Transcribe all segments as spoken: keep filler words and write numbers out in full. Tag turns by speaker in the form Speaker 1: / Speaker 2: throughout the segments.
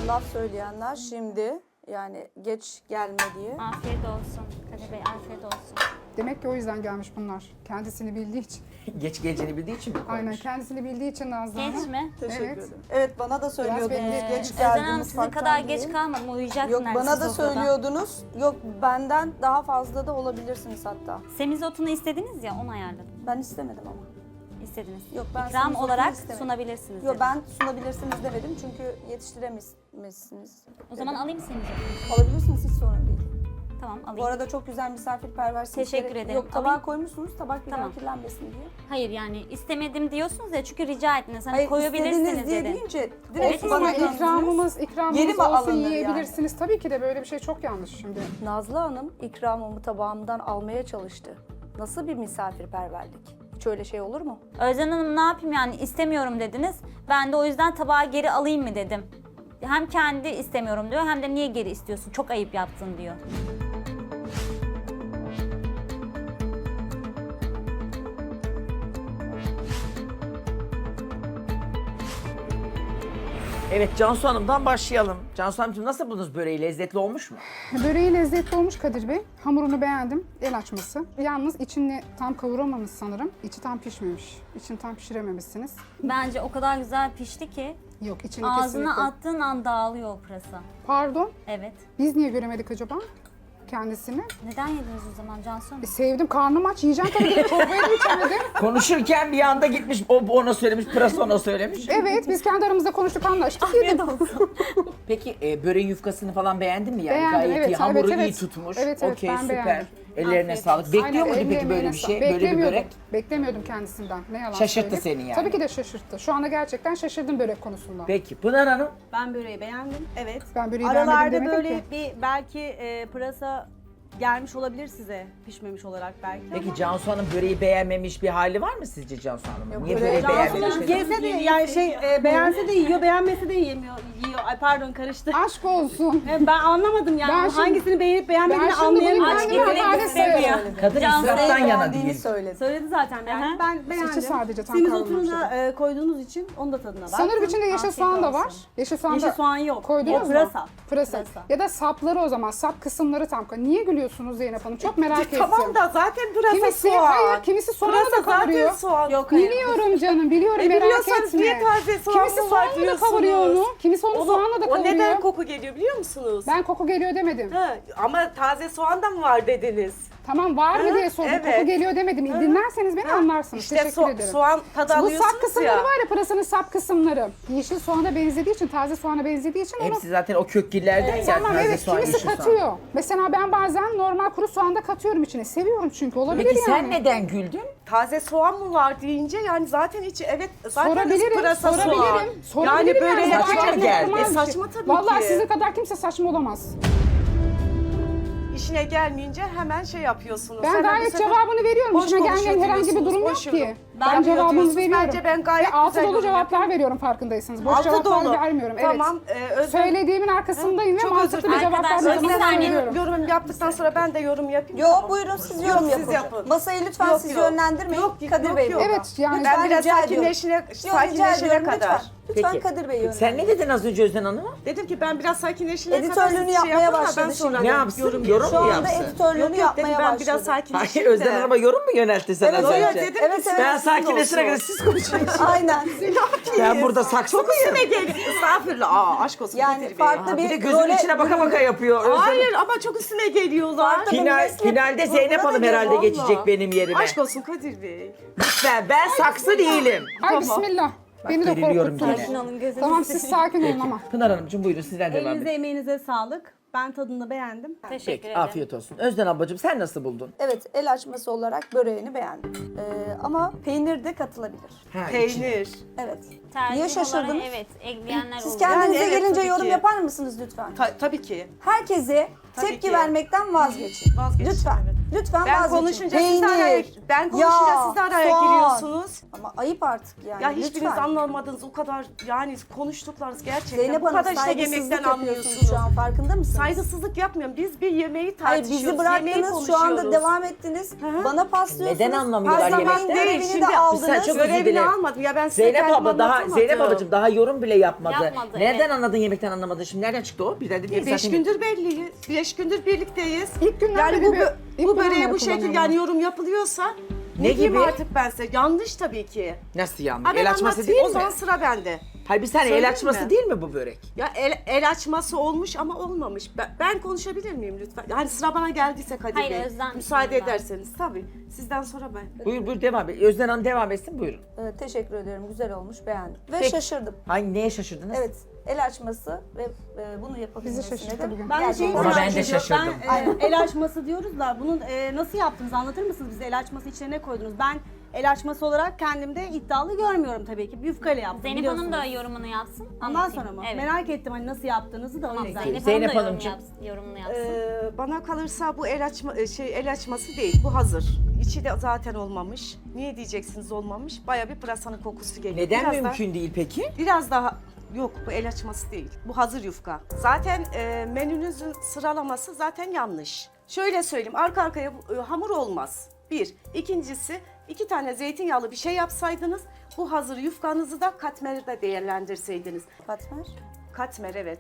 Speaker 1: laf söyleyenler şimdi yani geç gelme diye.
Speaker 2: Afiyet olsun Kadir Bey, afiyet olsun.
Speaker 3: Demek ki o yüzden gelmiş bunlar. Kendisini bildiği için.
Speaker 4: Geç geleceğini bildiği için mi koymuş?
Speaker 3: Aynen kendisini bildiği için Nazlı Hanım.
Speaker 2: Geç mi?
Speaker 1: Teşekkür
Speaker 3: Evet.
Speaker 1: ederim. Evet bana da söylüyordunuz
Speaker 3: bekleyin.
Speaker 1: geç
Speaker 2: Özden
Speaker 1: geldim
Speaker 2: Hanım sizin
Speaker 1: mutfaktan
Speaker 2: kadar
Speaker 1: diye.
Speaker 2: geç kalmadım, uyuyacaktım
Speaker 1: Yok
Speaker 2: neredeyse
Speaker 1: bana da
Speaker 2: sofrada.
Speaker 1: söylüyordunuz. Yok benden daha fazla da olabilirsiniz hatta.
Speaker 2: Semizotunu istediniz ya, onu ayarladım.
Speaker 1: Ben istemedim ama.
Speaker 2: İstediniz.
Speaker 1: Yok, ben
Speaker 2: İkram
Speaker 1: semizotunu
Speaker 2: olarak
Speaker 1: istemedim.
Speaker 2: sunabilirsiniz
Speaker 1: Yok
Speaker 2: dedim.
Speaker 1: ben sunabilirsiniz demedim çünkü yetiştiremezsiniz.
Speaker 2: O zaman alayım semizotunu.
Speaker 1: Alabilirsiniz hiç sorun değil.
Speaker 2: Tamam, alayım.
Speaker 1: Bu arada çok güzel misafirperversiniz.
Speaker 2: Teşekkür
Speaker 1: Gerek-
Speaker 2: ederim.
Speaker 1: Yok tabağa
Speaker 2: Alayım.
Speaker 1: koymuşsunuz tabak bir
Speaker 2: Tamam.
Speaker 1: daha kirlenmesin diye.
Speaker 2: Hayır yani istemedim diyorsunuz ya, çünkü rica ettiniz. Hani
Speaker 1: Hayır
Speaker 2: koyabilirsiniz
Speaker 1: istediniz diye
Speaker 2: dedim.
Speaker 1: deyince
Speaker 2: Evet,
Speaker 1: direkt bana
Speaker 2: istedim.
Speaker 1: döndünüz.
Speaker 3: İkramımız, ikramımız
Speaker 1: Geri mi
Speaker 3: olsun
Speaker 1: alınır
Speaker 3: yiyebilirsiniz. Tabii ki de böyle bir şey çok yanlış şimdi.
Speaker 1: Nazlı Hanım ikramımı tabağımdan almaya çalıştı. Nasıl bir misafirperverlik? Hiç öyle şey olur mu?
Speaker 2: Özden Hanım ne yapayım yani, istemiyorum dediniz. Ben de o yüzden tabağı geri alayım mı dedim. Hem kendi istemiyorum diyor, hem de niye geri istiyorsun, çok ayıp yaptın diyor.
Speaker 4: Evet Cansu Hanım'dan başlayalım. Cansu Hanımcığım nasıl buldunuz böreği? Lezzetli olmuş mu?
Speaker 3: Böreği lezzetli olmuş Kadir Bey. Hamurunu beğendim. El açması. Yalnız içini tam kavuramamış sanırım. İçi tam pişmemiş. İçini tam pişirememişsiniz.
Speaker 2: Bence o kadar güzel pişti ki
Speaker 3: Yok içini
Speaker 2: ağzına
Speaker 3: kesinlikle.
Speaker 2: attığın an dağılıyor o pırasa.
Speaker 3: Pardon.
Speaker 2: Evet.
Speaker 3: Biz niye göremedik acaba kendisini?
Speaker 2: Neden yediniz o zaman Cansu Hanım?
Speaker 3: E, sevdim. Karnım aç. Yiyeceğim tabii ki. Çorbayı da içemedim.
Speaker 4: Konuşurken bir anda gitmiş, o ona söylemiş, pırası ona söylemiş.
Speaker 3: Evet. Biz kendi aramızda konuştuk, anlaştık.
Speaker 2: Afiyet
Speaker 3: Yedim.
Speaker 2: olsun.
Speaker 4: Peki e, böreğin yufkasını falan beğendin mi yani?
Speaker 3: Beğendim,
Speaker 4: Gayet
Speaker 3: evet,
Speaker 4: iyi, hamuru
Speaker 3: evet,
Speaker 4: iyi
Speaker 3: evet.
Speaker 4: tutmuş.
Speaker 3: Evet, evet,
Speaker 4: Okey,
Speaker 3: ben
Speaker 4: süper.
Speaker 3: beğendim.
Speaker 4: Ellerine
Speaker 2: Afiyet
Speaker 4: sağlık.
Speaker 2: olsun.
Speaker 4: Bekliyor
Speaker 3: Aynen,
Speaker 4: muydu
Speaker 3: eline
Speaker 4: peki böyle
Speaker 3: emeğine
Speaker 4: bir
Speaker 3: sağ-
Speaker 4: şey? Böyle bir
Speaker 3: Beklemiyordum.
Speaker 4: börek?
Speaker 3: Beklemiyordum kendisinden. Ne yalan
Speaker 4: Şaşırttı
Speaker 3: söyleyeyim.
Speaker 4: seni yani.
Speaker 3: Tabii ki de şaşırttı. Şu anda gerçekten şaşırdım börek konusunda.
Speaker 4: Peki Pınar Hanım?
Speaker 5: Ben böreği beğendim. Evet.
Speaker 3: Ben böreği
Speaker 5: Aralarda
Speaker 3: beğenmedim demedim
Speaker 5: böyle
Speaker 3: ki.
Speaker 5: bir belki e, pırasa gelmiş olabilir size, pişmemiş olarak belki.
Speaker 4: Peki
Speaker 5: ama
Speaker 4: Cansu Hanım böreği beğenmemiş bir hali var mı sizce Cansu Hanım'ın?
Speaker 1: Yok,
Speaker 4: Niye
Speaker 1: böreği
Speaker 4: böreği
Speaker 1: Cansu
Speaker 4: beğenmemiş?
Speaker 5: Hanım
Speaker 4: mesela?
Speaker 5: yese de yani şey e, beğense de yiyor, beğenmese de yemiyor. Yiyor. Ay pardon karıştı.
Speaker 3: Aşk olsun.
Speaker 5: E, ben anlamadım yani
Speaker 3: Ben şimdi-
Speaker 5: hangisini beğenip beğenmediğini
Speaker 3: Ben şimdi bunu
Speaker 5: anlayamıyorum.
Speaker 2: Aç
Speaker 3: kendime
Speaker 2: getirmek
Speaker 3: hakaret
Speaker 2: istemiyor.
Speaker 3: sayarım.
Speaker 4: Kadın
Speaker 2: Cansu
Speaker 4: israftan
Speaker 1: Beğendiğini
Speaker 4: yana değil.
Speaker 1: söyledi.
Speaker 5: Söyledi zaten yani.
Speaker 2: Aha.
Speaker 5: Ben beğendim.
Speaker 3: sadece tam
Speaker 5: Semizotunu
Speaker 3: kavrulmuş
Speaker 5: da e, koyduğunuz için onun da tadına bak.
Speaker 3: Sanırım içinde yeşil
Speaker 2: Afiyet
Speaker 3: soğan da
Speaker 2: olsun.
Speaker 3: var. Yeşil soğan
Speaker 5: Yeşil
Speaker 3: da
Speaker 5: soğan yok.
Speaker 3: koydunuz
Speaker 5: O
Speaker 3: mu?
Speaker 5: pırasa.
Speaker 3: Pırasa.
Speaker 5: Pırasa.
Speaker 3: Ya da sapları o zaman. Sap kısımları tam. Niye gülüyorsunuz Zeynep Hanım? Çok merak ettim.
Speaker 6: Tamam da zaten pırasa
Speaker 3: Kimisi,
Speaker 6: soğan.
Speaker 3: hayır, kimisi soğanı da
Speaker 6: Pırasa
Speaker 3: kavuruyor.
Speaker 6: zaten soğan.
Speaker 5: Yok hayır.
Speaker 3: Biliyorum canım, biliyorum,
Speaker 6: E,
Speaker 3: merak
Speaker 6: biliyorsanız
Speaker 3: etme.
Speaker 6: niye taze soğan
Speaker 3: Kimisi
Speaker 6: mı var
Speaker 3: soğanla da
Speaker 6: diyorsunuz?
Speaker 3: kavuruyor onu. Kimisi onu,
Speaker 6: Onu-
Speaker 3: soğanla da
Speaker 6: O
Speaker 3: kavuruyor.
Speaker 6: neden koku geliyor biliyor musunuz?
Speaker 3: Ben koku geliyor demedim.
Speaker 6: Ha, ama taze soğan da mı var dediniz?
Speaker 3: Tamam, var mı
Speaker 6: Ha,
Speaker 3: diye sordum.
Speaker 6: evet.
Speaker 3: Koku geliyor demedim. Dinlerseniz beni anlarsınız.
Speaker 6: İşte
Speaker 3: Teşekkür
Speaker 6: so-
Speaker 3: ederim.
Speaker 6: soğan tadı
Speaker 3: Bu sap
Speaker 6: alıyorsunuz
Speaker 3: kısımları
Speaker 6: ya.
Speaker 3: var ya, pırasanın sap kısımları. Yeşil soğana benzediği için, taze soğana benzediği için onu...
Speaker 4: Hepsi zaten o kökgillerden ya.
Speaker 3: Tamam,
Speaker 4: taze
Speaker 3: evet,
Speaker 4: soğan,
Speaker 3: kimisi
Speaker 4: yeşil soğan.
Speaker 3: katıyor. Mesela ben bazen normal kuru soğan da katıyorum içine. Seviyorum çünkü, olabilir
Speaker 4: Peki
Speaker 3: yani.
Speaker 4: sen neden güldün?
Speaker 6: Taze soğan mı var deyince yani zaten içi evet zaten
Speaker 3: Sorabilirim,
Speaker 6: pırasa soğan.
Speaker 3: sorabilirim. Sorabilirim
Speaker 6: Yani böyle
Speaker 4: Saçma
Speaker 3: Gayet
Speaker 4: mı geldi?
Speaker 3: normal
Speaker 6: E,
Speaker 3: bir
Speaker 6: saçma
Speaker 3: şey.
Speaker 6: tabii
Speaker 3: Vallahi
Speaker 6: ki.
Speaker 3: sizin kadar kimse saçma olamaz.
Speaker 6: İşine gelmeyince hemen şey yapıyorsunuz.
Speaker 3: Ben
Speaker 6: Hemen bu
Speaker 3: gayet
Speaker 6: sefer
Speaker 3: cevabını veriyorum.
Speaker 6: boş
Speaker 3: İşime gelmeyen
Speaker 6: konuşuyor
Speaker 3: herhangi bir
Speaker 6: diyorsunuz,
Speaker 3: durum yok
Speaker 6: boş
Speaker 3: ki.
Speaker 6: yorum.
Speaker 3: Ben
Speaker 6: Yapıyor
Speaker 3: cevabını
Speaker 6: diyorsunuz.
Speaker 3: veriyorum.
Speaker 6: Bence ben gayet
Speaker 3: Ve altı
Speaker 6: güzel
Speaker 3: dolu
Speaker 6: yorum
Speaker 3: cevaplar veriyorum, farkındaysanız. Boş
Speaker 6: Altı
Speaker 3: cevaplar
Speaker 6: dolu.
Speaker 3: vermiyorum.
Speaker 6: Tamam.
Speaker 3: Evet.
Speaker 6: E, Özlem-
Speaker 3: Söylediğimin arkasındayım ve
Speaker 6: Çok
Speaker 3: mantıklı
Speaker 6: özür
Speaker 3: bir
Speaker 6: dilerim.
Speaker 3: cevaplar
Speaker 2: Arkadaşlar,
Speaker 3: vermeye
Speaker 2: bir saniye.
Speaker 3: veriyorum.
Speaker 6: Yorum yaptıktan sonra ben de yorum yapayım.
Speaker 1: Yo
Speaker 6: Tamam.
Speaker 1: buyurun siz
Speaker 6: Yok,
Speaker 1: yorum
Speaker 6: siz
Speaker 1: yapın.
Speaker 6: yapın.
Speaker 1: Masayı lütfen
Speaker 6: Yok,
Speaker 1: siz
Speaker 6: yok.
Speaker 1: yönlendirmeyin.
Speaker 6: Yok,
Speaker 1: Kadir
Speaker 6: yok,
Speaker 1: Bey.
Speaker 6: yok.
Speaker 3: Evet, yani
Speaker 6: Ben biraz
Speaker 1: rica ediyorum.
Speaker 6: sakinleşine,
Speaker 1: Yo, rica
Speaker 6: sakinleşene
Speaker 1: ediyorum,
Speaker 6: kadar.
Speaker 1: lütfen. Lütfen
Speaker 4: Peki.
Speaker 1: Kadir Bey yönlendirin.
Speaker 4: Sen ne dedin az önce Özden Hanım'a?
Speaker 6: Dedim ki ben biraz sakinleşene kadar
Speaker 1: Editörlüğünü
Speaker 6: siz
Speaker 1: yapmaya
Speaker 6: şey yapın da
Speaker 1: başladı
Speaker 6: ben sonra
Speaker 1: şimdi.
Speaker 4: Ne yapsın? Yorum
Speaker 6: yapayım.
Speaker 1: Şu
Speaker 4: mu
Speaker 1: anda
Speaker 4: yapsın?
Speaker 1: editörlüğünü
Speaker 6: Yok yok dedim
Speaker 1: yapmaya
Speaker 6: ben
Speaker 1: başladı.
Speaker 6: biraz sakinleşeyim
Speaker 4: Hayır
Speaker 6: de.
Speaker 4: Özden Hanım'a yorum mu yöneltti sen
Speaker 1: Evet,
Speaker 4: az
Speaker 1: evet,
Speaker 4: önce?
Speaker 6: dedim
Speaker 1: Evet,
Speaker 6: ki
Speaker 1: evet.
Speaker 4: Ben
Speaker 6: sizin
Speaker 4: sakinleşene
Speaker 6: olsun.
Speaker 4: kadar siz konuşun.
Speaker 1: Aynen.
Speaker 4: Ben burada saksı mıyım?
Speaker 6: Üstüne gel. Estağfurullah. Aa, aşk olsun.
Speaker 1: Yani
Speaker 6: Kadir Bey.
Speaker 1: farklı
Speaker 4: Ha,
Speaker 1: bir,
Speaker 4: bir de gözümün
Speaker 1: role
Speaker 4: içine baka baka yapıyor. Özden
Speaker 6: Hayır ama çok üstüne geliyorlar.
Speaker 1: Farklı-
Speaker 4: Final,
Speaker 1: meslek
Speaker 4: finalde Zeynep Hanım
Speaker 1: grubuna
Speaker 4: herhalde
Speaker 6: vallahi.
Speaker 4: geçecek benim yerime.
Speaker 6: Aşk olsun Kadir Bey.
Speaker 4: Lütfen ben saksı değilim.
Speaker 3: Ay
Speaker 6: Tamam.
Speaker 3: bismillah. Beni de
Speaker 4: geriliyorum
Speaker 3: korkuttunuz.
Speaker 4: yine.
Speaker 2: Alın gözünüzü
Speaker 3: Tamam, siz sakin olun ama.
Speaker 4: Pınar Hanımcığım buyurun sizden devam
Speaker 5: Elinize
Speaker 4: edin.
Speaker 5: emeğinize sağlık. Ben tadını beğendim.
Speaker 2: Teşekkür
Speaker 4: Peki
Speaker 2: ederim.
Speaker 4: afiyet olsun. Özden ablacığım sen nasıl buldun?
Speaker 1: Evet el açması olarak böreğini beğendim. Ee, ama peynir de katılabilir.
Speaker 4: Ha, için.
Speaker 6: Peynir.
Speaker 1: Evet.
Speaker 2: Tercih
Speaker 1: Niye
Speaker 2: olarak
Speaker 1: şaşırdınız?
Speaker 2: evet, ekleyenler
Speaker 1: Siz
Speaker 2: oluyor.
Speaker 1: kendinize
Speaker 6: Yani evet,
Speaker 1: gelince
Speaker 6: tabii
Speaker 1: yorum
Speaker 6: ki.
Speaker 1: yapar mısınız lütfen?
Speaker 6: Ta- tabii ki.
Speaker 1: Herkese
Speaker 6: Tabii
Speaker 1: tepki
Speaker 6: ki.
Speaker 1: vermekten vazgeçin.
Speaker 6: Vazgeçin,
Speaker 1: Lütfen.
Speaker 6: evet.
Speaker 1: Lütfen
Speaker 6: Ben
Speaker 1: vazgeçin.
Speaker 6: konuşunca siz de araya, ben konuşunca
Speaker 1: yağ,
Speaker 6: siz de araya
Speaker 1: soğan.
Speaker 6: giriyorsunuz.
Speaker 1: Ama ayıp artık yani.
Speaker 6: Ya hiçbiriniz
Speaker 1: lütfen.
Speaker 6: anlamadınız o kadar yani konuştuklarınız gerçekten.
Speaker 1: Zeynep
Speaker 6: bu
Speaker 1: Hanım
Speaker 6: kadar işte
Speaker 1: saygısızlık
Speaker 6: yemekten
Speaker 1: yapıyorsunuz
Speaker 6: anlıyorsunuz.
Speaker 1: şu an, farkında mısınız?
Speaker 6: Saygısızlık yapmıyorum. Biz bir yemeği
Speaker 1: Hayır,
Speaker 6: tartışıyoruz.
Speaker 1: bizi
Speaker 6: yemeği
Speaker 1: bıraktınız, şu anda
Speaker 6: konuşuyoruz.
Speaker 1: devam ettiniz.
Speaker 6: hı.
Speaker 1: Bana paslıyorsunuz.
Speaker 4: Neden anlamıyorlar
Speaker 1: Her zaman
Speaker 4: yemekten?
Speaker 1: görevini
Speaker 6: Şimdi-
Speaker 1: de
Speaker 6: Bir
Speaker 1: aldınız.
Speaker 4: saniye, çok özür
Speaker 6: Görevini
Speaker 4: dilerim.
Speaker 6: almadım ya ben size
Speaker 4: Zeynep
Speaker 6: kendim
Speaker 4: abla daha
Speaker 6: anlatamadım.
Speaker 4: Zeynep ablacığım daha yorum bile yapmadı.
Speaker 2: Yapmadı,
Speaker 4: Nereden
Speaker 2: evet.
Speaker 4: anladın yemekten anlamadın? Şimdi nereden çıktı o? Bir de değil
Speaker 6: E, Beş
Speaker 4: zaten.
Speaker 6: gündür belliyiz. Beş gündür birlikteyiz.
Speaker 3: İlk günden
Speaker 6: yani
Speaker 3: beri
Speaker 6: bu,
Speaker 3: bir-
Speaker 6: bö-
Speaker 3: ilk
Speaker 6: bu
Speaker 3: günden
Speaker 6: böreğe
Speaker 3: beri
Speaker 6: bu şekilde
Speaker 3: kullanıyorum.
Speaker 6: yani yorum yapılıyorsa
Speaker 4: Ne
Speaker 6: ne diyeyim
Speaker 4: gibi?
Speaker 6: artık ben size? Yanlış tabii ki.
Speaker 4: Nasıl yani?
Speaker 6: Ha, ben
Speaker 4: El açması
Speaker 6: anlatayım,
Speaker 4: değil
Speaker 6: o
Speaker 4: mi?
Speaker 6: zaman sıra bende.
Speaker 4: Hayır bir saniye el
Speaker 6: Söyleyeyim
Speaker 4: açması
Speaker 6: mi?
Speaker 4: değil mi bu börek?
Speaker 6: Ya el, el açması olmuş ama olmamış. Ben, ben konuşabilir miyim lütfen? Yani sıra bana geldiyse Kadir
Speaker 2: Hayır,
Speaker 6: Bey.
Speaker 2: Özlem
Speaker 6: Müsaade
Speaker 2: lütfen.
Speaker 6: ederseniz tabii. Sizden sonra ben.
Speaker 4: Buyur buyur devam et. Özden Hanım devam etsin buyurun.
Speaker 1: Evet, teşekkür ederim. Güzel olmuş, beğendim. Ve
Speaker 4: Peki.
Speaker 1: şaşırdım.
Speaker 4: Hangi neye şaşırdınız?
Speaker 1: Evet, el açması ve e, bunu
Speaker 3: Bizi
Speaker 1: yapabilmesine
Speaker 3: şaşırttı
Speaker 1: de
Speaker 3: bugün.
Speaker 5: Ben de şeyi
Speaker 1: gerçekten
Speaker 4: Ama ben
Speaker 5: merak
Speaker 4: de
Speaker 5: ediyorum.
Speaker 4: şaşırdım.
Speaker 5: Ben e, el açması diyoruz da bunun e, nasıl yaptınız anlatır mısınız bize? El açması içine ne koydunuz? Ben el açması olarak kendimde iddialı görmüyorum tabii ki. Yufkayla yaptım
Speaker 2: Zeynep Hanım da
Speaker 5: biliyorsunuz.
Speaker 2: yorumunu yapsın.
Speaker 5: Ondan
Speaker 2: anlatayım.
Speaker 5: sonra mı?
Speaker 2: Evet.
Speaker 5: Merak ettim hani nasıl yaptığınızı da o
Speaker 2: Tamam,
Speaker 5: yüzden.
Speaker 2: Zeynep,
Speaker 4: Zeynep
Speaker 2: Hanım da yorum
Speaker 4: Hanımcığım.
Speaker 2: yapsın, yorumunu yapsın.
Speaker 6: Ee, bana kalırsa bu el açma e, şey el açması değil. Bu hazır. İçi de zaten olmamış. Niye diyeceksiniz olmamış? Baya bir pırasanın kokusu geliyor.
Speaker 4: Neden
Speaker 6: Biraz
Speaker 4: mümkün değil peki?
Speaker 6: Daha, biraz daha yok bu el açması değil. Bu hazır yufka. Zaten e, menünüzün sıralaması zaten yanlış. Şöyle söyleyeyim arka arkaya bu, e, hamur olmaz. Bir. İkincisi iki tane zeytinyağlı bir şey yapsaydınız bu hazır yufkanızı da katmerde değerlendirseydiniz.
Speaker 1: katmer.
Speaker 6: Katmer evet.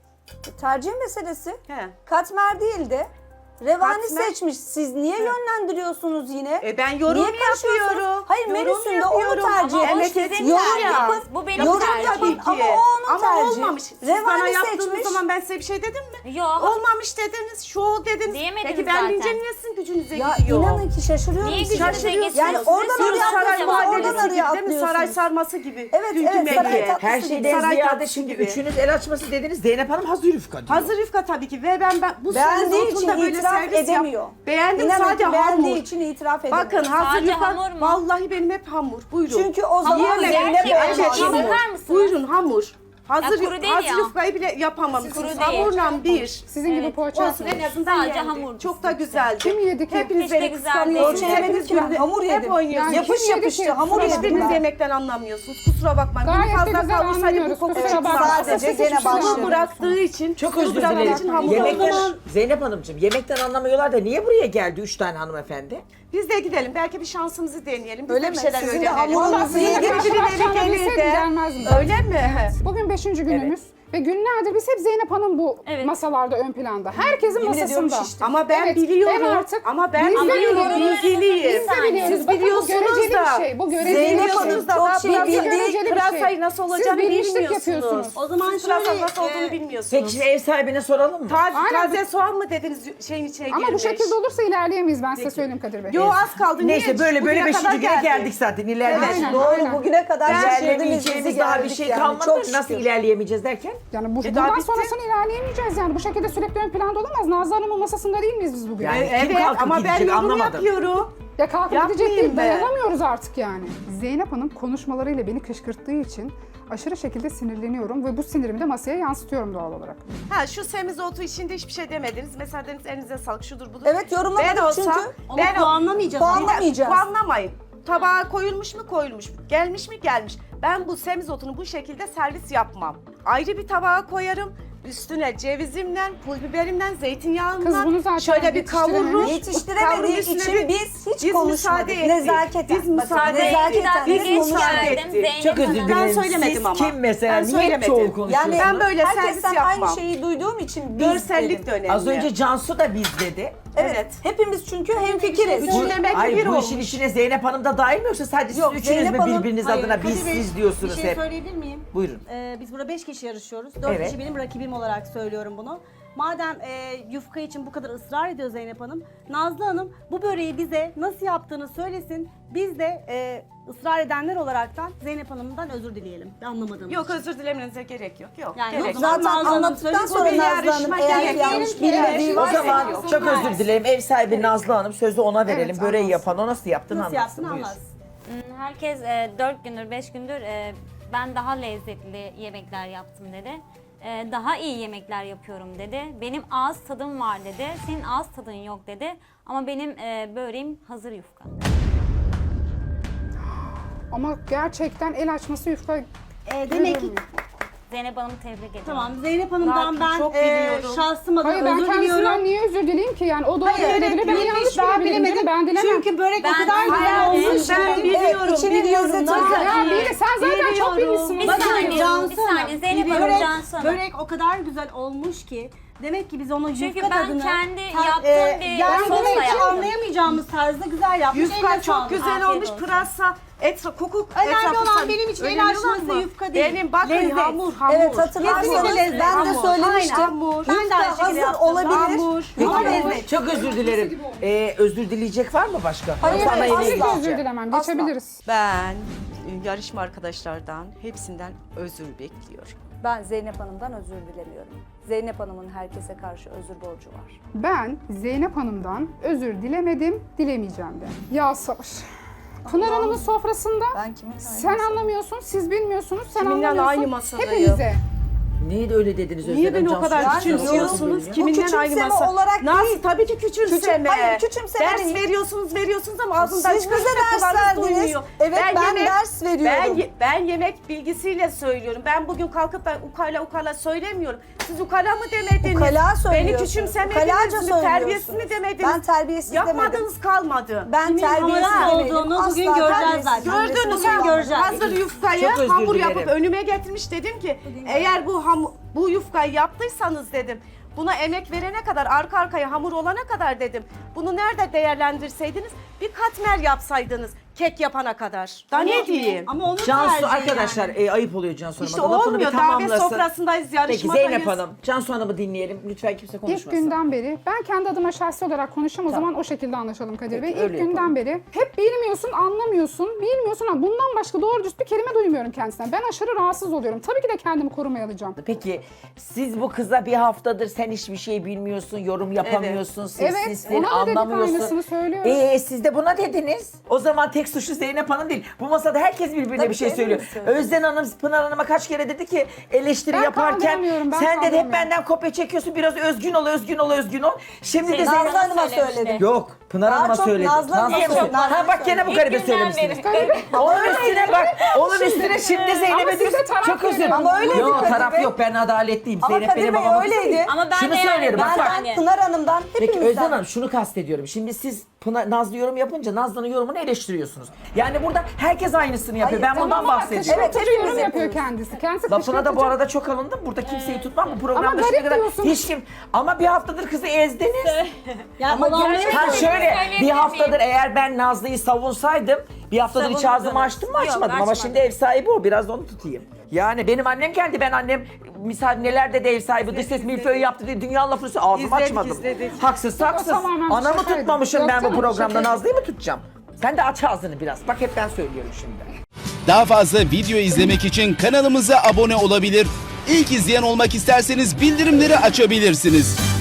Speaker 1: Tercih meselesi.
Speaker 6: He.
Speaker 1: Katmer değil de revani
Speaker 6: Katmer.
Speaker 1: seçmiş. Siz niye yönlendiriyorsunuz yine?
Speaker 6: E ben yorum
Speaker 1: Niye karışıyorsunuz?
Speaker 6: yapıyorum.
Speaker 1: Hayır,
Speaker 6: Yorum
Speaker 1: menüsünde onu
Speaker 6: yapıyorum.
Speaker 1: tercih
Speaker 6: Ama
Speaker 1: etmiş.
Speaker 6: evet, sizin
Speaker 1: Yorum
Speaker 6: tercihiniz.
Speaker 1: yapın.
Speaker 2: Bu benim
Speaker 1: Yorum
Speaker 2: tercihim.
Speaker 1: yapın
Speaker 6: Tabii ki.
Speaker 1: ama o onun
Speaker 6: Ama
Speaker 1: tercihi.
Speaker 6: olmamış. Siz bana
Speaker 1: Revani
Speaker 6: yaptığınız
Speaker 1: seçmiş.
Speaker 6: zaman ben size bir şey dedim mi?
Speaker 2: Yok.
Speaker 6: Olmamış dediniz, şu dediniz.
Speaker 2: Diyemediniz
Speaker 6: Peki ben
Speaker 2: zaten.
Speaker 6: deyince niye sizin gücünüze
Speaker 1: Ya
Speaker 6: gidiyor?
Speaker 1: inanın ki şaşırıyorum.
Speaker 2: Niye
Speaker 1: size.
Speaker 2: gücünüze
Speaker 6: Şaşırıyorsunuz.
Speaker 2: geçiyor?
Speaker 1: Yani
Speaker 2: Siz
Speaker 1: oradan
Speaker 2: soruyorsunuz
Speaker 1: oraya
Speaker 6: Saray
Speaker 2: cevap
Speaker 1: atlıyorsunuz,
Speaker 6: muhallebisi
Speaker 1: oradan
Speaker 6: gibi
Speaker 1: oraya
Speaker 6: değil mi? Saray
Speaker 1: atlıyorsunuz.
Speaker 6: sarması gibi.
Speaker 1: Evet,
Speaker 6: Dünkü
Speaker 1: evet, saray
Speaker 6: menüye.
Speaker 1: tatlısı
Speaker 4: Her
Speaker 1: gibi.
Speaker 4: şeyden
Speaker 6: Saray
Speaker 4: ziyade
Speaker 6: tatlısı
Speaker 4: şimdi
Speaker 6: gibi.
Speaker 4: üçünüz el açması dediniz. Zeynep Hanım hazır yufka diyor.
Speaker 6: Hazır yufka tabii ki ve ben, ben bu
Speaker 1: Beğendiği
Speaker 6: semizotu
Speaker 1: için
Speaker 6: da böyle
Speaker 1: itiraf
Speaker 6: servis yap-
Speaker 1: edemiyor.
Speaker 6: Beğendim
Speaker 1: İnanın
Speaker 6: sadece
Speaker 1: ki beğendiği
Speaker 6: hamur.
Speaker 1: için itiraf edemiyor.
Speaker 6: Bakın hazır
Speaker 2: Sadece
Speaker 6: yufka
Speaker 2: hamur mu?
Speaker 6: vallahi benim hep hamur. Buyurun.
Speaker 1: Çünkü o zaman
Speaker 2: Hamur
Speaker 1: Zeynep
Speaker 2: yer ki,
Speaker 1: Hanım
Speaker 2: evet,
Speaker 1: hamur.
Speaker 2: hamur. Bakar mısınız?
Speaker 6: Buyurun hamur. Hazır,
Speaker 2: Ya kuru değil
Speaker 6: hazır
Speaker 2: ya.
Speaker 6: yufkayı bile yapamamışsınız.
Speaker 2: Kuru değil.
Speaker 6: Hamurla bir.
Speaker 3: Sizin gibi poğaça
Speaker 6: Olsun en azından
Speaker 2: Sadece
Speaker 6: yendi.
Speaker 2: hamur.
Speaker 6: Çok da güzeldi.
Speaker 3: Kim yedi ki?
Speaker 6: Hepiniz
Speaker 2: Hiç de
Speaker 6: beni
Speaker 2: güzel
Speaker 6: kıskanıyorsunuz.
Speaker 2: değil.
Speaker 1: Poğaça yemedim
Speaker 6: Hepiniz
Speaker 1: ki ben,
Speaker 6: günde-
Speaker 1: hamur
Speaker 6: Hep
Speaker 1: yedim.
Speaker 6: oynuyorsunuz.
Speaker 3: Yani
Speaker 1: Yapış
Speaker 3: kim yedi
Speaker 1: yapıştı,
Speaker 3: ki?
Speaker 1: hamur
Speaker 3: Kusura
Speaker 1: yedim
Speaker 6: Hiçbiriniz
Speaker 3: bakma.
Speaker 1: ben.
Speaker 6: yemekten anlamıyorsunuz. Kusura bakmayın.
Speaker 3: Gayet
Speaker 6: Bunu
Speaker 3: de
Speaker 6: fazla
Speaker 3: güzel
Speaker 6: kavursaydı bu
Speaker 3: anlıyoruz,
Speaker 6: koku
Speaker 3: kusura
Speaker 6: çıkmaz.
Speaker 3: bakma.
Speaker 1: Sadece
Speaker 3: Sesi
Speaker 1: gene
Speaker 3: çıkmıyor.
Speaker 1: başladı.
Speaker 6: Hamur bıraktığı için,
Speaker 4: Çok
Speaker 6: sulu
Speaker 4: özür
Speaker 6: bıraktığı
Speaker 4: dilerim.
Speaker 6: için hamur
Speaker 4: Yemekten,
Speaker 6: oldu.
Speaker 4: Zeynep Hanımcığım yemekten anlamıyorlar da niye buraya geldi üç tane hanımefendi?
Speaker 6: Biz de gidelim. Belki bir şansımızı deneyelim. Biz
Speaker 1: Öyle
Speaker 6: de
Speaker 1: mi?
Speaker 6: bir şeyler
Speaker 1: Sizin de
Speaker 6: öğrenelim.
Speaker 1: hamurunuzu
Speaker 6: Vallahi sizin de
Speaker 1: yedim.
Speaker 6: birileri
Speaker 3: Akşam
Speaker 6: gelir
Speaker 3: bilseydim
Speaker 6: de.
Speaker 3: gelmezdim.
Speaker 6: Öyle mi?
Speaker 3: Bugün beşinci günümüz ve günlerdir biz hep Zeynep Hanım bu
Speaker 2: Evet.
Speaker 3: masalarda ön planda. Herkesin
Speaker 1: Yemin ediyorum
Speaker 3: masasında.
Speaker 1: şiştim.
Speaker 6: Ama ben
Speaker 3: Evet,
Speaker 6: biliyorum.
Speaker 3: ben artık-
Speaker 6: ama ben
Speaker 3: Biz de
Speaker 6: biliyorum.
Speaker 3: biliyoruz.
Speaker 6: Bilgiliyim.
Speaker 3: Biz de biliyoruz.
Speaker 6: Siz
Speaker 3: Bakın bu
Speaker 6: biliyorsunuz
Speaker 3: göreceli
Speaker 6: da.
Speaker 3: bir şey. Bu göreceli
Speaker 1: Zeynep
Speaker 3: bir şey.
Speaker 1: Hanım
Speaker 6: da
Speaker 1: çok
Speaker 6: daha
Speaker 1: şey
Speaker 6: pırasa-
Speaker 1: bildiği
Speaker 3: göreceli bir
Speaker 6: pırasayı
Speaker 3: şey.
Speaker 6: nasıl
Speaker 3: Siz
Speaker 6: olacağını
Speaker 3: bilmişlik
Speaker 6: bilmiyorsunuz.
Speaker 3: yapıyorsunuz.
Speaker 5: O zaman
Speaker 6: Siz pırasanın
Speaker 5: şöyle,
Speaker 6: nasıl olduğunu
Speaker 5: e,
Speaker 6: bilmiyorsunuz.
Speaker 4: Peki şimdi ev sahibine soralım mı?
Speaker 6: Taze,
Speaker 3: Aynen.
Speaker 6: taze soğan mı dediniz şeyin içine
Speaker 3: Ama bu
Speaker 6: girmiş?
Speaker 3: şekilde olursa ilerleyemeyiz ben size söyleyeyim Kadir Bey.
Speaker 6: Yo az kaldı.
Speaker 4: Neyse
Speaker 6: Niye?
Speaker 4: böyle böyle
Speaker 6: Bugüne kadar
Speaker 4: beşinci güne
Speaker 6: geldi.
Speaker 4: geldik zaten ilerleyeceğiz.
Speaker 3: Aynen,
Speaker 1: Doğru,
Speaker 3: aynen.
Speaker 1: bugüne kadar şaşırdınız,
Speaker 4: İlerleyemeyeceğimiz
Speaker 1: bizi
Speaker 4: daha bir
Speaker 1: geldik
Speaker 4: şey
Speaker 1: yani.
Speaker 4: kalmadı.
Speaker 1: Çok
Speaker 4: Nasıl
Speaker 1: şükür.
Speaker 4: ilerleyemeyeceğiz derken?
Speaker 3: Yani bu,
Speaker 6: E, daha
Speaker 3: bundan
Speaker 6: bitti.
Speaker 3: sonrasını ilerleyemeyeceğiz yani. Bu şekilde sürekli ön planda olamaz. Nazlı Hanım'ın masasında değil miyiz biz bugün?
Speaker 4: Yani
Speaker 6: Evet
Speaker 4: kim kalkıp
Speaker 6: ama ben
Speaker 4: gidecek
Speaker 6: yorum
Speaker 4: anlamadım.
Speaker 6: yapıyorum.
Speaker 3: Ya kalkıp
Speaker 6: Yapmayayım
Speaker 3: gidecek değil,
Speaker 6: ben.
Speaker 3: dayanamıyoruz artık yani. Zeynep Hanım konuşmalarıyla beni kışkırttığı için aşırı şekilde sinirleniyorum ve bu sinirimi de masaya yansıtıyorum doğal olarak.
Speaker 6: Ha şu semizotu içinde hiçbir şey demediniz. Mesela dediniz elinize sağlık şudur budur.
Speaker 1: Evet, yorumlamadık
Speaker 6: Ben olsam,
Speaker 1: çünkü.
Speaker 5: Onu
Speaker 6: ben o-
Speaker 5: puanlamayacağız.
Speaker 1: Puanla-
Speaker 5: ama.
Speaker 1: Puanlamayacağız.
Speaker 6: Puanlamayın. Tabağa koyulmuş mu koyulmuş. Gelmiş mi gelmiş. Ben bu semizotunu bu şekilde servis yapmam. Ayrı bir tabağa koyarım. Üstüne cevizimden, pul biberimden, zeytinyağından
Speaker 3: Kız bunu zaten
Speaker 6: şöyle bir kavururum.
Speaker 3: yetiştirememiş.
Speaker 1: Yetiştiremediği
Speaker 6: Kavrun üstüne
Speaker 1: için
Speaker 6: bir-
Speaker 1: biz hiç
Speaker 6: biz
Speaker 1: konuşmadık.
Speaker 6: müsaade ettik.
Speaker 1: Nezaketen.
Speaker 6: Biz müsaade
Speaker 1: Bakın,
Speaker 6: ettik.
Speaker 1: nezaketen
Speaker 6: Biz
Speaker 1: biz
Speaker 6: müsaade
Speaker 1: konuşmadık.
Speaker 6: ettik.
Speaker 2: Zeynep
Speaker 4: Çok özür
Speaker 2: Hanım.
Speaker 4: dilerim.
Speaker 6: Ben söylemedim
Speaker 4: Siz
Speaker 6: ama.
Speaker 4: kim mesela?
Speaker 6: Ben
Speaker 4: Niye
Speaker 6: söylemedim.
Speaker 4: çoğul
Speaker 1: Yani
Speaker 4: konuşuyorsunuz?
Speaker 6: Ben böyle servis
Speaker 1: herkesten
Speaker 6: yapmam.
Speaker 1: aynı şeyi duyduğum için biz
Speaker 6: Görsellik
Speaker 1: dedim.
Speaker 6: de önemli.
Speaker 4: Az önce Cansu da biz dedi.
Speaker 1: Evet.
Speaker 6: Evet.
Speaker 1: Hepimiz çünkü hemfikiriz.
Speaker 6: Üçün demek ki
Speaker 4: Hayır
Speaker 6: bir
Speaker 4: bu
Speaker 6: olmuş.
Speaker 4: işin içine Zeynep Hanım da dahil mi yoksa sadece siz
Speaker 1: Yok,
Speaker 4: üçünüz
Speaker 1: Zeynep
Speaker 4: mü
Speaker 1: Hanım-
Speaker 4: birbiriniz
Speaker 5: Hayır,
Speaker 4: adına
Speaker 5: Kadir
Speaker 4: biz
Speaker 5: Bey,
Speaker 4: siz diyorsunuz
Speaker 5: Bir şey
Speaker 4: hep?
Speaker 5: söyleyebilir miyim?
Speaker 4: Buyurun.
Speaker 5: Ee, biz burada beş kişi yarışıyoruz. Dört
Speaker 4: Evet.
Speaker 5: kişi benim rakibim olarak söylüyorum bunu. Madem e, yufka için bu kadar ısrar ediyor Zeynep Hanım, Nazlı Hanım bu böreği bize nasıl yaptığını söylesin. Biz de e, ısrar edenler olaraktan Zeynep Hanım'dan özür dileyelim. Ben anlamadım.
Speaker 6: Yok özür dilemenize gerek yok. Yok.
Speaker 5: Yani
Speaker 6: gerek
Speaker 5: yok,
Speaker 6: yok.
Speaker 5: zaten
Speaker 1: Zaten
Speaker 5: Nazlı Hanım
Speaker 1: anlattıktan
Speaker 5: söyledi,
Speaker 1: sonra
Speaker 6: bu bir
Speaker 1: Nazlı Hanım
Speaker 6: yarışma
Speaker 1: eğer
Speaker 6: değil.
Speaker 1: yanlış
Speaker 6: Diyelim ki-
Speaker 1: bildiği
Speaker 4: O
Speaker 1: varsa
Speaker 4: zaman
Speaker 6: yok.
Speaker 4: çok özür dilerim. Ev sahibi Nazlı Hanım sözü ona verelim.
Speaker 3: Evet,
Speaker 4: Böreği
Speaker 3: anlatsın.
Speaker 4: yapan o nasıl yaptığını
Speaker 5: Nasıl
Speaker 4: anlatsın.
Speaker 5: yapsın
Speaker 4: Buyur.
Speaker 5: anlatsın.
Speaker 2: Hmm, Herkes e, dört gündür, beş gündür e, ben daha lezzetli yemekler yaptım dedi. e, daha iyi yemekler yapıyorum dedi. Benim ağız tadım var dedi. Senin ağız tadın yok dedi. Ama benim e, böreğim hazır yufka.
Speaker 3: Ama gerçekten el açması yufka
Speaker 5: E, demek ki
Speaker 2: Zeynep Hanım'ı tebrik ediyorum.
Speaker 5: tamam Zeynep Hanım'dan
Speaker 6: Ne
Speaker 5: ben
Speaker 6: yapayım, çok
Speaker 5: e,
Speaker 6: biliyorum.
Speaker 5: şahsım adına
Speaker 3: Hayır ben
Speaker 5: özür
Speaker 3: kendisinden
Speaker 5: diliyorum.
Speaker 3: niye özür dileyim ki yani o doğru
Speaker 5: Hayır,
Speaker 3: bilebilir ben
Speaker 5: bilmiş,
Speaker 3: yanlış
Speaker 5: ben
Speaker 3: bilebilirim
Speaker 5: bilemedim.
Speaker 3: ben dilemem.
Speaker 5: Çünkü börek
Speaker 2: Ben
Speaker 5: o kadar
Speaker 2: de
Speaker 5: güzel
Speaker 2: bilemedim.
Speaker 5: olmuş.
Speaker 6: Ben
Speaker 5: ki.
Speaker 6: biliyorum,
Speaker 5: içinin
Speaker 6: biliyorum.
Speaker 5: lezzeti
Speaker 6: Nasıl?
Speaker 5: güzel.
Speaker 3: Ya bir de sen zaten çok bilmişsin.
Speaker 2: Bir
Speaker 5: Bakın
Speaker 2: saniye,
Speaker 5: Cansu
Speaker 2: bir saniye.
Speaker 5: Hanım,
Speaker 2: Zeynep Hanım,
Speaker 5: börek,
Speaker 2: Cansu Hanım.
Speaker 5: börek o kadar güzel olmuş ki demek ki biz onun
Speaker 2: Çünkü
Speaker 5: yufka
Speaker 2: ben
Speaker 5: tadını
Speaker 2: kendi
Speaker 5: ta-
Speaker 2: yaptığım bir
Speaker 5: yani
Speaker 2: sosla
Speaker 5: demek ki
Speaker 2: yaptım.
Speaker 5: anlayamayacağımız tarzda güzel yapmış.
Speaker 6: Yufka
Speaker 5: Eline
Speaker 6: çok
Speaker 5: sağlık.
Speaker 6: güzel
Speaker 2: Afiyet
Speaker 6: olmuş.
Speaker 2: olsun.
Speaker 6: Pırasa, etra, koku
Speaker 5: Önemli
Speaker 6: etrafı
Speaker 5: olan
Speaker 6: sarı.
Speaker 5: benim için el
Speaker 6: Önemli
Speaker 5: açması
Speaker 6: olan mı?
Speaker 5: yufka değil.
Speaker 6: Benim bakın
Speaker 5: Lezzet.
Speaker 6: hamur, hamur.
Speaker 7: Evet hatırlarsınız
Speaker 5: Hamur.
Speaker 7: ben de
Speaker 5: Hamur.
Speaker 7: söylemiştim.
Speaker 5: Aynen. Hamur. Ben de
Speaker 7: Yufka
Speaker 5: aynı şekilde
Speaker 7: hazır
Speaker 5: yaptım.
Speaker 7: olabilir.
Speaker 5: Hamur.
Speaker 4: Peki,
Speaker 5: Ama lezzet.
Speaker 4: çok özür dilerim. Ee, özür dileyecek var mı başka?
Speaker 3: Hayır
Speaker 4: Yoksa ana
Speaker 3: hayır
Speaker 4: yemeğe
Speaker 3: asla özür
Speaker 4: geçeceğim.
Speaker 3: dilemem
Speaker 7: Asla.
Speaker 3: geçebiliriz.
Speaker 6: Ben e, yarışma arkadaşlardan hepsinden özür bekliyorum.
Speaker 1: Ben Zeynep Hanım'dan özür dilemiyorum. Zeynep Hanım'ın herkese karşı özür borcu var.
Speaker 3: Ben Zeynep Hanım'dan özür dilemedim, dilemeyeceğim de. Ya sabır. Pınar Hanım'ın sofrasında
Speaker 7: Ben kimin
Speaker 3: sen anlamıyorsun, siz bilmiyorsunuz, sen
Speaker 6: Kiminle
Speaker 3: anlamıyorsun.
Speaker 6: aynı masadayım?
Speaker 3: Hepinize.
Speaker 4: Niye de öyle dediniz Özlem
Speaker 6: Niye beni o
Speaker 4: Cansu?
Speaker 6: kadar
Speaker 7: Yani
Speaker 6: küçümsüyorsunuz?
Speaker 7: diyorum,
Speaker 6: Kiminle
Speaker 7: bu
Speaker 6: aynı
Speaker 7: küçümseme
Speaker 6: masa?
Speaker 7: olarak
Speaker 6: Nasıl?
Speaker 7: değil.
Speaker 6: Tabii ki küçümseme.
Speaker 7: Küçüm- hayır, küçümseme
Speaker 6: Ders
Speaker 7: değil.
Speaker 6: veriyorsunuz, veriyorsunuz ama ağzından
Speaker 7: Siz
Speaker 6: çıkan
Speaker 7: bize ders
Speaker 6: kulağınız
Speaker 7: verdiniz.
Speaker 6: duymuyor.
Speaker 7: Evet, ben ders veriyorum.
Speaker 6: Ben, ye- ben yemek bilgisiyle söylüyorum. Ben bugün kalkıp ben ukala ukala söylemiyorum. Siz ukala mı demediniz?
Speaker 7: Ukala
Speaker 6: Beni
Speaker 7: söylüyorsunuz.
Speaker 6: küçümsemediniz
Speaker 7: Ukalaca
Speaker 6: mi?
Speaker 7: söylüyorsunuz.
Speaker 6: Terbiyesiz mi demediniz?
Speaker 7: Ben terbiyesiz demedim.
Speaker 6: Yapmadığınız kalmadı.
Speaker 7: Ben
Speaker 5: Kimin
Speaker 7: terbiyesiz
Speaker 5: hamurası
Speaker 7: demedim.
Speaker 5: olduğunu
Speaker 7: Asla
Speaker 5: bugün göreceğiz
Speaker 7: terbiyesiz
Speaker 5: zaten.
Speaker 7: demedim.
Speaker 6: Gördünüz
Speaker 5: Bugün
Speaker 6: mü?
Speaker 5: göreceğiz.
Speaker 6: Hazır yufkayı
Speaker 4: Çok özür
Speaker 6: hamur
Speaker 4: dilerim.
Speaker 6: yapıp önüme getirmiş dedim ki eğer bu ham bu yufkayı yaptıysanız dedim. Buna emek verene kadar arka arkaya hamur olana kadar dedim. Bunu nerede değerlendirseydiniz bir katmer yapsaydınız kek yapana kadar. Daha ne diyeyim?
Speaker 5: Ama onun
Speaker 4: Cansu
Speaker 5: tercihi
Speaker 4: arkadaşlar
Speaker 5: yani.
Speaker 4: e, ayıp oluyor Cansu Hanım'a.
Speaker 6: İşte
Speaker 4: da. Lafını
Speaker 6: olmuyor.
Speaker 4: bir
Speaker 6: Davet
Speaker 4: tamamlasın.
Speaker 6: sofrasındayız,
Speaker 4: Peki
Speaker 6: yarışmadayız.
Speaker 4: Zeynep Hanım, Cansu Hanım'ı dinleyelim. Lütfen kimse konuşmasın.
Speaker 3: İlk günden beri, ben kendi adıma şahsi olarak konuşayım o zaman o şekilde anlaşalım Kadir Bey.
Speaker 4: Peki,
Speaker 3: İlk
Speaker 4: öyle
Speaker 3: günden
Speaker 4: yapalım.
Speaker 3: beri hep bilmiyorsun, anlamıyorsun, bilmiyorsun ama bundan başka doğru düz bir kelime duymuyorum kendisinden. Ben aşırı rahatsız oluyorum. Tabii ki de kendimi korumaya alacağım.
Speaker 4: Peki siz bu kıza bir haftadır sen hiçbir şey bilmiyorsun, yorum yapamıyorsun, sessizsin,
Speaker 3: Evet, ona da dedik
Speaker 4: anlamıyorsun.
Speaker 3: aynısını söylüyoruz.
Speaker 4: Ee, siz de buna dediniz. O zaman tek suçlu Zeynep Hanım değil. Bu masada herkes birbirine
Speaker 7: Tabii
Speaker 4: bir şey
Speaker 7: ki,
Speaker 4: söylüyor.
Speaker 7: hepimiz söylüyoruz.
Speaker 4: Özden Hanım, Pınar Hanım'a kaç kere dedi ki eleştiri
Speaker 3: Ben
Speaker 4: yaparken
Speaker 3: kaldıramıyorum, ben
Speaker 4: sen dedi hep
Speaker 3: kaldıramıyorum.
Speaker 4: benden kopya çekiyorsun. Biraz özgün ol, özgün ol, özgün ol. Şimdi de
Speaker 2: Nazlı
Speaker 4: Zeynep
Speaker 7: Hanım'a
Speaker 2: söylemişti.
Speaker 7: söyledim.
Speaker 4: Yok, Pınar
Speaker 7: Daha
Speaker 4: Hanım'a
Speaker 7: çok
Speaker 4: söyledi.
Speaker 7: Nazlı Hanım'a
Speaker 4: Nazlı'ya
Speaker 7: söyledi.
Speaker 4: söyledi. Ha
Speaker 7: Nazlı'ya
Speaker 4: bak gene bu
Speaker 7: söyledi.
Speaker 4: garibe
Speaker 2: İlk günden
Speaker 4: söylemişsiniz.
Speaker 2: beri.
Speaker 4: Onun üstüne bak, onun üstüne şimdi
Speaker 3: Ama
Speaker 4: Zeynep'e
Speaker 3: siz de
Speaker 4: diyorsun.
Speaker 3: taraf
Speaker 4: Çok özür dilerim.
Speaker 3: veriyorsunuz.
Speaker 7: Ama öyleydi
Speaker 4: Yok
Speaker 7: Kadir
Speaker 4: taraf
Speaker 7: Bey.
Speaker 4: yok, ben adaletliyim.
Speaker 7: Ama
Speaker 4: Zeynep
Speaker 7: Kadir
Speaker 4: benim
Speaker 7: Bey
Speaker 4: babam
Speaker 7: öyleydi.
Speaker 4: değil.
Speaker 2: Ama ben
Speaker 4: Şunu
Speaker 2: de yani
Speaker 4: söylüyorum, bak,
Speaker 2: ben
Speaker 4: bak.
Speaker 2: hani-
Speaker 7: Pınar Hanım'dan
Speaker 4: Peki
Speaker 7: hepimizden.
Speaker 4: Özden Hanım şunu kastediyorum. Şimdi siz Pınar, Nazlı yorum yapınca Nazlı'nın yorumunu eleştiriyorsunuz. Yani burada herkes aynısını yapıyor.
Speaker 7: Hayır,
Speaker 4: ben bundan
Speaker 3: Tamam ama
Speaker 4: bahsediyorum.
Speaker 3: evet,
Speaker 7: hepimiz
Speaker 3: yorum yapıyor
Speaker 7: yapıyoruz.
Speaker 3: kendisi. Kendisi
Speaker 4: Lafına da bu
Speaker 3: kışkırtıcı.
Speaker 4: arada çok alındım. Burada kimseyi tutmam. Bu programda
Speaker 3: Ama
Speaker 4: şimdiye
Speaker 3: garip
Speaker 4: kadar
Speaker 3: diyorsunuz.
Speaker 4: hiç kim... Ama bir haftadır kızı ezdiniz.
Speaker 5: Ya
Speaker 7: Ama
Speaker 5: olanları
Speaker 7: gerçekten-
Speaker 4: Ha
Speaker 2: Söyleyebilir
Speaker 4: şöyle
Speaker 2: miyim?
Speaker 4: bir haftadır eğer ben Nazlı'yı savunsaydım bir haftadır hiç ağzımı
Speaker 2: Savundunuz.
Speaker 4: açtım mı
Speaker 2: Yok,
Speaker 4: açmadım ama
Speaker 2: açmadım.
Speaker 4: şimdi ev sahibi o biraz da onu tutayım. Yani benim annem geldi ben annem misal nelerde de ev sahibi dış ses milföy yaptı diye dünya lafını söyledi ağzımı
Speaker 6: İzledik,
Speaker 4: açmadım.
Speaker 6: izledik.
Speaker 4: Haksız haksız.
Speaker 3: tamamen
Speaker 4: Anamı
Speaker 3: şakaydı.
Speaker 4: tutmamışım
Speaker 3: Yok
Speaker 4: ben bu
Speaker 3: canım,
Speaker 4: programda
Speaker 3: şakaydı.
Speaker 4: Nazlı'yı mı tutacağım? Sen de aç ağzını biraz. Bak hep ben söylüyorum şimdi.
Speaker 8: Daha fazla video izlemek için kanalımıza abone olabilir. İlk izleyen olmak isterseniz bildirimleri açabilirsiniz.